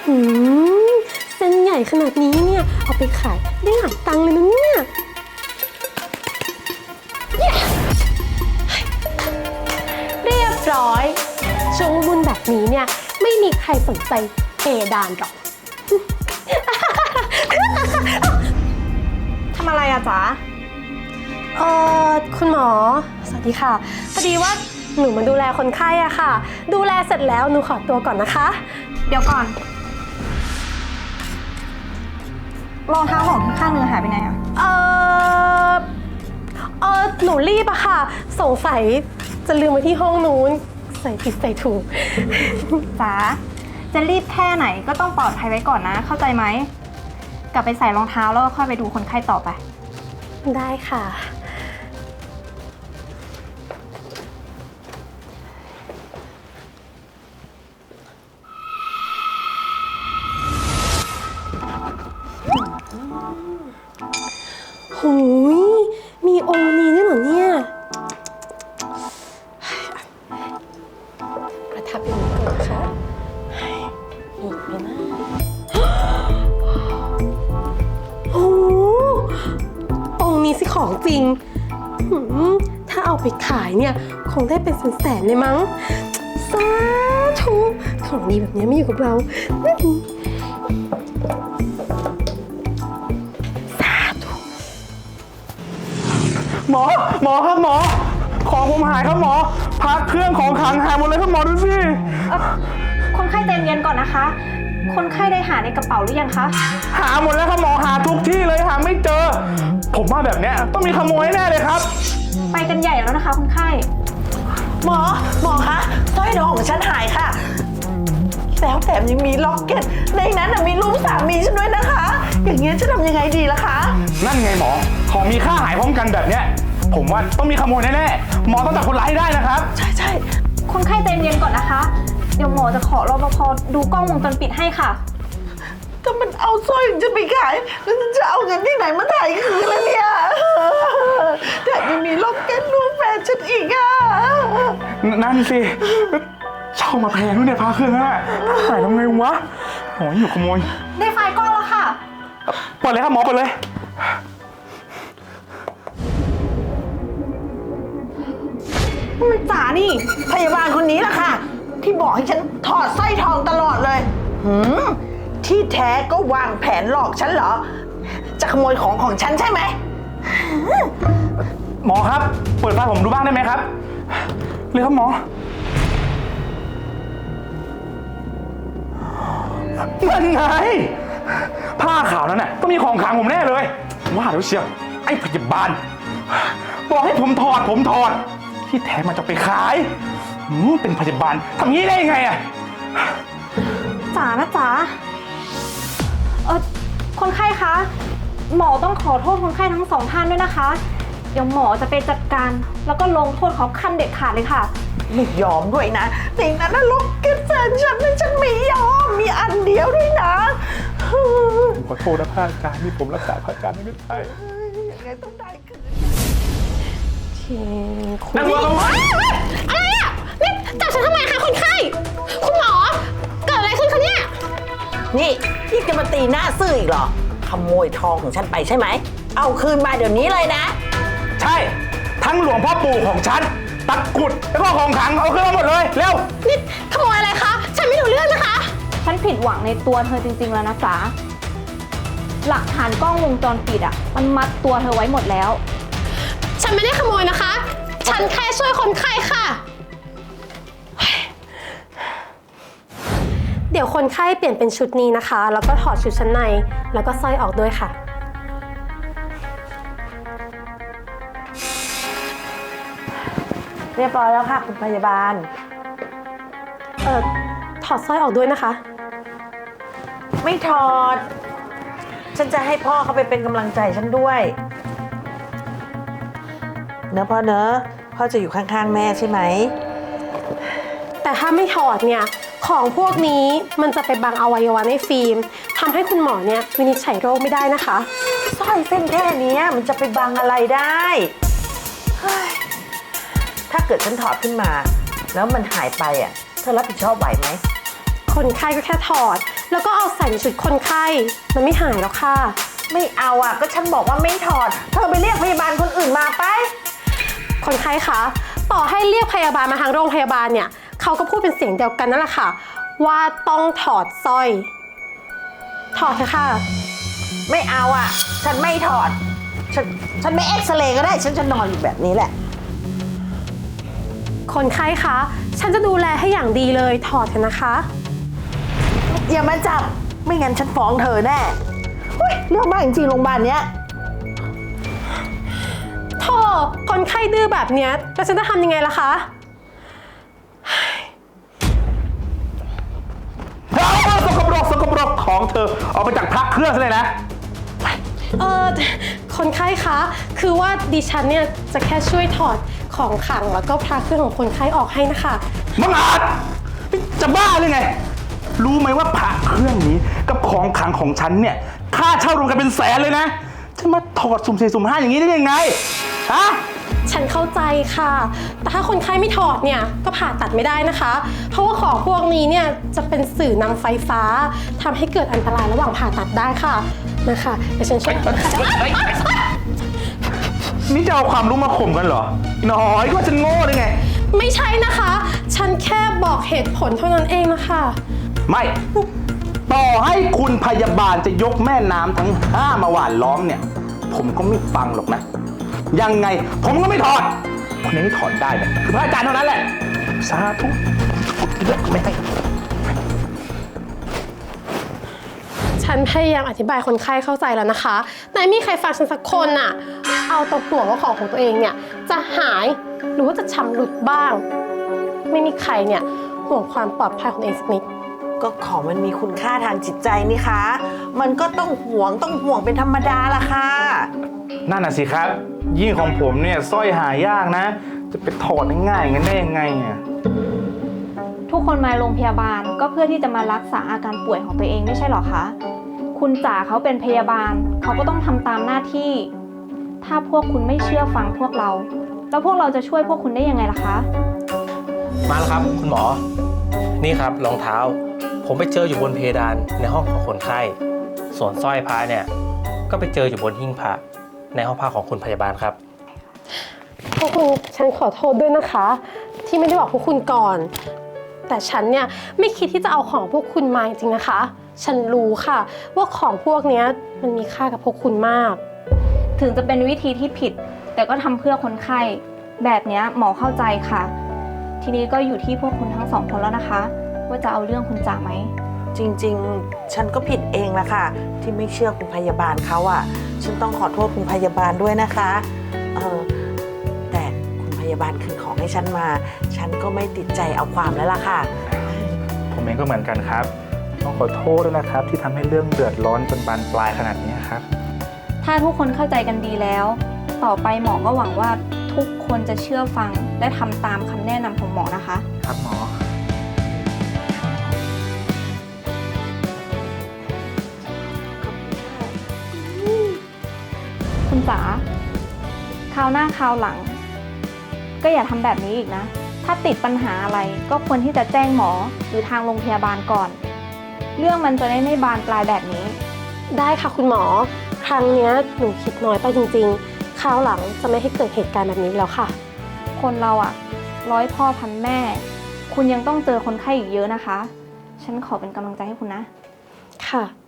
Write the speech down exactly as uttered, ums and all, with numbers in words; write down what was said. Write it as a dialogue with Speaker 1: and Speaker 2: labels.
Speaker 1: หืมเส้นใหญ่ขนาดนี้เนี่ยเอาไปขายได้หลายตังค์เลยนะเนี่ยเรียบร้อยช่วงบุญแบบนี้เนี่ยไม่มีใครสนใจเพดานหรอก
Speaker 2: ทำอะไรอะจ๊ะ
Speaker 1: เออคุณหมอสวัสดีค่ะพอดีว่าหนูมาดูแลคนไข้อะค่ะดูแลเสร็จแล้วหนูขอตัวก่อนนะคะ
Speaker 2: เดี๋ยวก่อนรองเท้าของข้างนึงหายไปไหนอะ
Speaker 1: เออเออหนูรีบอะค่ะสงสัยจะลืมไว้ที่ห้องนู้นใส่ผิดใส่ถูก
Speaker 2: จ๋าจะรีบแค่ไหนก็ต้องปลอดภัยไว้ก่อนนะเข้าใจไหมกลับไปใส่รองเท้าแล้วก็ค่อยไปดูคนไข้ต่อไป
Speaker 1: ได้ค่ะหูยมีองค์นี้ด้วยเหรอเนี่ยประทับอย่างนี้ก่อนนะคะอีกแล้วนะโอ้องค์นี้สิของจริงถ้าเอาไปขายเนี่ยคงได้เป็นแสนๆเลยมั้งสาธุของดีแบบนี้ไม่อยู่กับเรา
Speaker 3: หมอหมอครับหมอของผมหายครับหมอพักเครื่องของขังหายหมดเลยครับหมอดูสิ
Speaker 2: คนไข้ใจเย็นก่อนนะคะคนไข้ได้หาในกระเป๋าหรือยังคะ
Speaker 3: หาหมดแล้วครับหมอหาทุกที่เลยหาไม่เจอผมว่าแบบเนี้ยต้องมีขโมยแน่เลยครับ
Speaker 2: ไปกันใหญ่แล้วนะคะคนไข้
Speaker 4: หมอหมอคะสร้อยทองของฉันหายค่ะแล้วแถมยังมีล็อกเก็ตในนั้นมีรูปสามีฉันด้วยนะคะอย่างเงี้ยจะทำยังไงดีล่ะคะ
Speaker 3: นั่นไงหมอของมีค่าหายพร้อมกันแบบเนี้ยผมว่าต้องมีขโมยแน่ๆหมอต้องจับคนร้ายให้ได้นะครับ
Speaker 4: ใช่ใช่
Speaker 2: คนไข้ใจเย็นก่อนนะคะเดี๋ยวหมอจะขอรปภ.ดูกล้องวงจรปิดให้ค่ะ
Speaker 4: ถ้ามันเอาสร้อยฉันไปขายแล้วจะเอาเงินที่ไหนมาถ่ายคืนล่ะเนี่ยแถมยังมีล็อกเก็ตรูปแฟนฉันอีกอ่ะ
Speaker 3: นั่นสิเช่ามาแพงด้วยเนี่ยพาเครื่องน่ะหายทำไงวะหมออยู่ขโมย
Speaker 2: ได้ไฟล์กล้องแล้วค่ะ
Speaker 3: เปิดเลยครับหมอเปิดเลย
Speaker 2: มันจ๋านี่
Speaker 4: พยาบาลคนนี้แหละค่ะที่บอกให้ฉันถอดสร้อยทองตลอดเลยหืมที่แท้ก็วางแผนหลอกฉันเหรอจะขโมยของของฉันใช่ไหม
Speaker 3: หมอครับเปิดไฟผมดูบ้างได้ไหมครับเลยครับหมอนั่นไงผ้าขาวนั้นน่ะก็มีของขลังผมแน่เลยว่าเดี๋ยวเชียวไอ้พยาบาลบอกให้ผมถอดผมถอดที่แท้มันจะไปขายเป็นพยาบาลทำงี้ได้ยังไงอะ
Speaker 2: จ๋านะจ๋าเออคนไข้คะหมอต้องขอโทษคนไข้ทั้งสองท่านด้วยนะคะเดี๋ยวหมอจะไปจัดการแล้วก็ลงโทษเขาขั้นเด็ดขาดเลยค่ะ
Speaker 4: ไม่ยอมด้วยนะในนั้นน่ะล็อกเก็ตแฟนฉันนะฉันไม่ยอมมีอันเดียวด้วยนะ
Speaker 3: ผมขอโทษนะพระอาจารย์ที่ผมรักษาพระอาจารย์ไม่ได้
Speaker 4: ยังไงต้องได้คืน
Speaker 3: นั่งรอกันไว้
Speaker 1: อะไรอ่ะนี่จับฉันทำไมคะคนไข้คุณหมอเกิดอะไรขึ้นคะเนี่ย
Speaker 4: นี่พี่จะมาตีหน้าซื่ออีกเหรอขโมยทองของฉันไปใช่ไหมเอาคืนมาเดี๋ยวนี้เลยนะ
Speaker 3: ใช่ทั้งหลวงพ่อปู่ของฉันตะกุดแล้วก็ของขลังเอาขึ้นมาหมดเลยเร็ว
Speaker 1: นี่ขโมยอะไรคะฉันไม่รู้เรื่องนะคะ
Speaker 2: ฉันผิดหวังในตัวเธอจริงๆแล้วนะจ๊ะหลักฐานกล้องวงจรปิดอ่ะมันมัดตัวเธอไว้หมดแล้ว
Speaker 1: ฉันไม่ได้ขโมยนะคะฉันแค่ช่วยคนไข้ค่ะเดี๋ยวคนไข้เปลี่ยนเป็นชุดนี้นะคะแล้วก็ถอดชุดชั้นในแล้วก็สร้อยออกด้วยค่ะ
Speaker 4: เรียบร้อยแล้วค่ะคุณพยาบาล
Speaker 1: เอ่อถอดสร้อยออกด้วยนะคะ
Speaker 4: ไม่ถอดฉันจะให้พ่อเขาไปเป็นกำลังใจฉันด้วยเนอะพ่อเนอะพ่อจะอยู่ข้างๆแม่ใช่ไหม
Speaker 1: แต่ถ้าไม่ถอดเนี่ยของพวกนี้มันจะไปบังอวัยวะในฟิล์มทำให้คุณหมอเนี่ยวินิจฉัยโรคไม่ได้นะคะ
Speaker 4: สร้อยเส้นแค่นี้มันจะไปบังอะไรได้ถ้าเกิดฉันถอดขึ้นมาแล้วมันหายไปอ่ะเธอรับผิดชอบไหวไหม
Speaker 1: คนไข้ก็แค่ถอด แล้วก็เอาใส่ในชุดคนไข้ มันไม่หายหรอกค่ะ
Speaker 4: ไม่เอาอ่ะ ก็ฉันบอกว่าไม่ถอด เธอไปเรียกพยาบาลคนอื่นมาไป
Speaker 1: คนไข้คะต่อให้เรียกพยาบาลมาทางโรงพยาบาลเนี่ยเขาก็พูดเป็นเสียงเดียวกันนั่นแหละค่ะ ว่าต้องถอดสร้อย ถอดเถอะค่ะ
Speaker 4: ไม่เอาอ่ะ ฉันไม่ถอด ฉันฉันไม่เอ็กซเรย์ก็ได้ ฉันจะนอนอยู่แบบนี้แหละ
Speaker 1: คนไข้คะฉันจะดูแลให้อย่างดีเลยถอดเถอะนะคะ
Speaker 4: อย่ามาจับ ไม่งั้นฉันฟ้องเธอแน่เฮ้ยเรื่องมากจริงๆโรงพยาบาลเนี้ย
Speaker 1: โธ่คนไข้ดื้อแบบเนี้ยแล้วฉันจะทำยังไงล่ะคะ
Speaker 3: เอาสกปรกสกปรกของเธอออกไปจากพระเครื่องซะเลยนะ
Speaker 1: เออคนไข้คะ คือว่าดิฉันเนี่ยจะแค่ช่วยถอดของขลังแล้วก็พระเครื่องของคนไข้ออกให้นะคะ
Speaker 3: มังอาจจะบ้าหรือไง รู้ไหมว่าพระเครื่องนี้กับของขลังของฉันเนี่ยค่าเช่ารวมกันเป็นแสนเลยนะ จะมาถอดสุ่มสี่สุ่มห้าอย่างนี้ได้ยังไง ฮะ
Speaker 1: ฉันเข้าใจค่ะ แต่ถ้าคนไข้ไม่ถอดเนี่ยก็ผ่าตัดไม่ได้นะคะ เพราะว่าของพวกนี้เนี่ยจะเป็นสื่อนำไฟฟ้าทำให้เกิดอันตรายระหว่างผ่าตัดได้ค่ะนะคะเดี๋ยวฉันช่วยนะคะ
Speaker 3: นี่จะเอาความรู้มาข่มกันเหรอ น้อยก็ว่าฉันโง่หรือไง
Speaker 1: ไม่ใช่นะคะ ฉันแค่บอกเหตุผลเท่านั้นเองนะคะ
Speaker 3: ไม่ ต่อให้คุณพยาบาลจะยกแม่น้ำทั้งห้ามาหว่านล้อมเนี่ย ผมก็ไม่ฟังหรอกนะ ยังไงผมก็ไม่ถอด คนนี้ที่ถอดได้เนี่ยคือพระอาจารย์เท่านั้นแหละ สาธุเลือกไม่ให้
Speaker 1: ฉันพยายามอธิบายคนไข้เข้าใจแล้วนะคะ แต่ไม่มีใครฟังฉันสักคนน่ะ เอาแตัวห่วงว่าของของตัวเองเนี่ยจะหายหรือว่าจะชำรุดบ้าง ไม่มีใครเนี่ยห่วงความปลอดภัยของตัวเองสักนิด
Speaker 4: ก็ของมันมีคุณค่าทางจิตใจนี่คะ มันก็ต้องห่วงต้องห่วงเป็นธรรมดาล่ะค่ะ
Speaker 3: นั่นน่ะสิครับ ยิ่งของผมเนี่ยสร้อยหายากนะ จะไปถอดง่ายๆงั้นได้ยังไงอ่ะ
Speaker 2: ทุกคนมาโรงพยาบาลก็เพื่อที่จะมารักษาอาการป่วยของตัวเองไม่ใช่หรอคะ คุณจ๋าเขาเป็นพยาบาลเขาก็ต้องทำตามหน้าที่ ถ้าพวกคุณไม่เชื่อฟังพวกเรา แล้วพวกเราจะช่วยพวกคุณได้ยังไงล่ะคะ
Speaker 5: มาแล้วครับคุณหมอ นี่ครับรองเท้า ผมไปเจออยู่บนเพดานในห้องของคนไข้ ส่วนสร้อยพระเนี่ยก็ไปเจออยู่บนหิ้งพระในห้องพักของคุณพยาบาลครับ
Speaker 1: พวกคุณฉันขอโทษด้วยนะคะ ที่ไม่ได้บอกพวกคุณก่อน แต่ฉันเนี่ยไม่คิดที่จะเอาของพวกคุณมาจริงๆนะคะ ฉันรู้ค่ะว่าของพวกเนี้ยมันมีค่ากับพวกคุณมาก
Speaker 2: ถึงจะเป็นวิธีที่ผิด แต่ก็ทำเพื่อคนไข้ แบบเนี้ยหมอเข้าใจค่ะ ทีนี้ก็อยู่ที่พวกคุณทั้งสองคนแล้วนะคะ ว่าจะเอาเรื่องคุณจ๋าไหม
Speaker 4: จริงๆ ฉันก็ผิดเองละค่ะ ที่ไม่เชื่อคุณพยาบาลเขาอะฉันต้องขอโทษคุณพยาบาลด้วยนะคะเออแต่คุณพยาบาลคืนของให้ฉันมา ฉันก็ไม่ติดใจเอาความแล้วล่ะค่ะ
Speaker 3: ผมเองก็เหมือนกันครับ ต้องขอโทษด้วยนะครับ ที่ทำให้เรื่องเดือดร้อนจนบานปลายขนาดนี้ครับ
Speaker 2: ถ้าทุกคนเข้าใจกันดีแล้ว ต่อไปหมอก็หวังว่าทุกคนจะเชื่อฟังและทำตามคำแนะนำของหมอนะคะ
Speaker 3: ครับหมอ
Speaker 2: คุณจ๋าคราวหน้าคราวหลัง ก็อย่าทำแบบนี้อีกนะ ถ้าติดปัญหาอะไรก็ควรที่จะแจ้งหมอหรือทางโรงพยาบาลก่อน เรื่องมันจะได้ไม่บานปลายแบบนี้
Speaker 1: ได้ค่ะคุณหมอ ครั้งเนี้ยหนูคิดน้อยไปจริงๆ คราวหลังจะไม่ให้เกิดเหตุการณ์แบบนี้แล้วค่ะ
Speaker 2: คนเราอะร้อยพ่อพันแม่ คุณยังต้องเจอคนไข้อีกเยอะนะคะ ฉันขอเป็นกำลังใจให้คุณนะ
Speaker 1: ค่ะ